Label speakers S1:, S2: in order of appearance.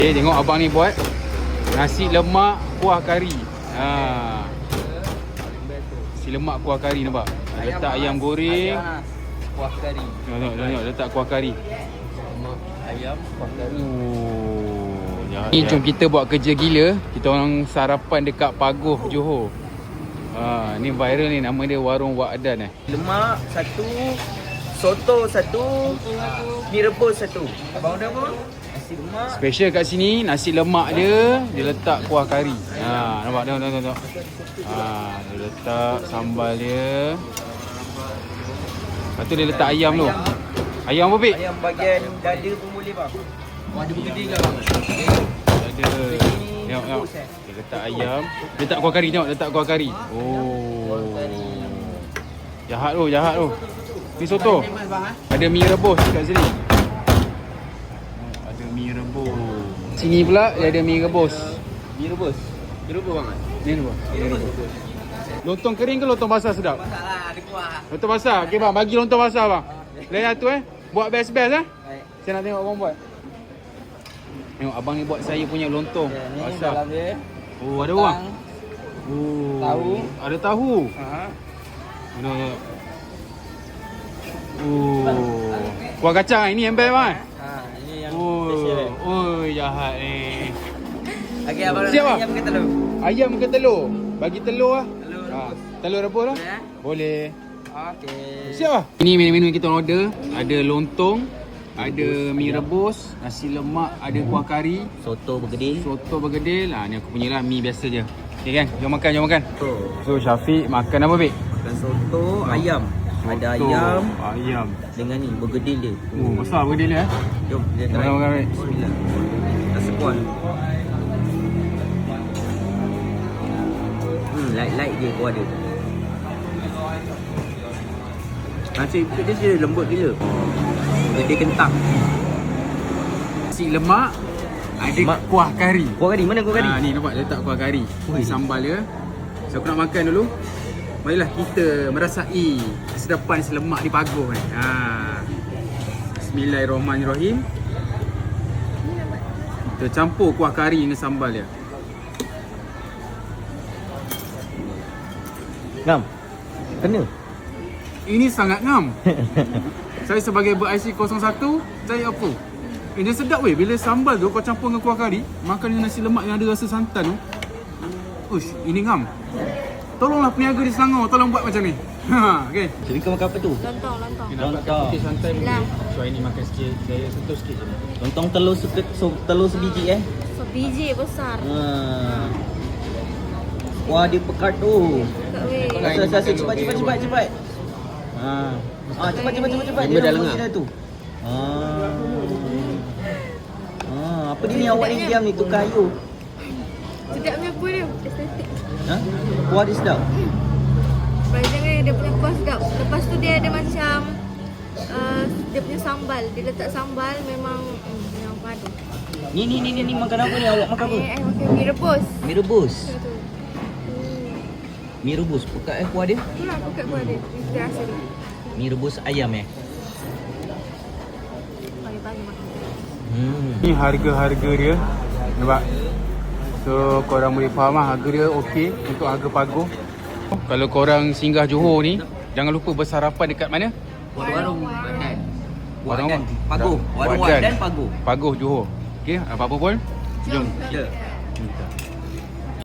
S1: Okay, tengok abang ni buat nasi lemak kuah kari. Nasi lemak kuah kari nampak. Letak ayam goreng,
S2: kuah kari.
S1: Tengok letak kuah kari.
S2: Lemak ayam kuah kari.
S1: Ni jom kita buat kerja gila. Kita orang sarapan dekat Pagoh, Johor. Ni viral ni, nama dia Warung Wak Adan .
S2: Lemak satu, soto satu, mi rebus satu. Abang order apa? Nasi lemak.
S1: Special kat sini, nasi lemak dia letak kuah kari. Nampak tengok. Dia letak sambal dia. Lepas tu dia letak ayam tu. Ayam apa, Pik?
S2: Ayam bahagian dada pun boleh bang. Ada bergedil ke bang?
S1: Ada. Tengok. Dia letak ayam. Dia letak kuah kari, tengok. Letak kuah kari. Jahat tu. Ni soto. Ada mi rebus kat sini. Ada mi rebus. Sini pula dia ada mi rebus.
S2: Mi rebus. Mi rebus bang.
S1: Ni rebus. Lontong kering ke lontong basah sedap?
S2: Basah lah, ada kuah.
S1: Lontong basah. Okey bang, bagi lontong basah bang. Lain tu Buat best-best
S2: Baik.
S1: Saya nak tengok abang buat. Tengok abang ni buat saya punya lontong basah.
S2: Dalam dia.
S1: Ada bang.
S2: Tahu.
S1: Ada tahu. Ada. Kuah kacang ini yang best bang.
S2: Ini yang special.
S1: Jahat ni.
S2: Okey, abang
S1: Siap, bang?
S2: ayam ke telur?
S1: Ayam ke telur? Bagi telur lah.
S2: Telur rebus.
S1: Telur rebus lah. Boleh.
S2: Okey.
S1: Siap lah. Ini menu-menu yang kita order. Ada lontong, ada mi rebus, nasi lemak, ada kuah kari,
S2: Soto bergedil.
S1: soto bergedil. Ni aku punya lah, mi biasa je. Okay kan? Jom makan.
S2: Soto.
S1: So Syafiq makan apa, Bik?
S2: Makan soto, ayam. Ada
S1: Soto,
S2: ayam
S1: ayam.
S2: dengan ni bergedil dia.
S1: Besar bergedil dia.
S2: Jom kita try.
S1: Makan, Bik.
S2: Bismillah. Rasa kuat. Light je kuah dia. Nasi dia lembut gila. Bergedil kentang.
S1: Nasi lemak, ada kuah kari.
S2: Kuah kari, mana kuah kari?
S1: Ni nampak letak kuah kari. Ni sambal dia. So aku nak makan dulu. Marilah kita merasai kesedapan nasi lemak di Pagoh ni. Bismillahirrahmanirrahim. Kita campur kuah kari dengan sambal dia.
S2: Ngam. Kena.
S1: Ini sangat ngam. Saya sebagai ber-IC 01, saya apa? Dia sedap weh. Bila sambal tu kau campur dengan kuah kari, makan dengan nasi lemak yang ada rasa santan tu. Ush, ini ngam. Tolonglah peniaga di Selangor, tolong buat macam ni. Okey.
S2: Jadi kau makan apa tu?
S3: Lontong.
S2: Lontong.
S1: Putih santai
S3: Bismillah.
S1: So ini makan sikit, saya sentuh sikit je.
S2: Lontong telur sebiji
S3: So biji besar.
S2: Wah dia pekat tu.
S3: Dekat weh.
S2: Rasa cepat. Cepat. Dia dah lengah tu. Apa dia ni awak ni diam ni tukar ayu.
S3: Sedapnya apa dia? Estetik.
S2: Kuah dia sedap.
S3: Jangan dia punya kuah sedap. Lepas tu dia ada macam dia punya sambal. Dia letak sambal memang padu.
S2: Ni makan apa ni? Awak makan apa?
S3: Makan mi rebus.
S2: Mi rebus.
S3: Betul.
S2: Mi rebus pekat kuah dia.
S3: Itulah pekat kuah dia. Kita rasa dia.
S2: Mi rebus ayam
S3: Pagi-pagi makan.
S1: Ni harga-harga dia. Nampak? So korang boleh faham lah, harga dia okey untuk harga Pagoh. Kalau korang singgah Johor ni, jangan lupa bersarapan dekat mana?
S2: Warung Wadan.
S1: Warung
S2: Wadan. Pagoh. Warung
S1: Wadan.
S2: Wadan Pagoh.
S1: Pagoh Johor. Okey, apa-apa pun. Jom.
S2: Ya.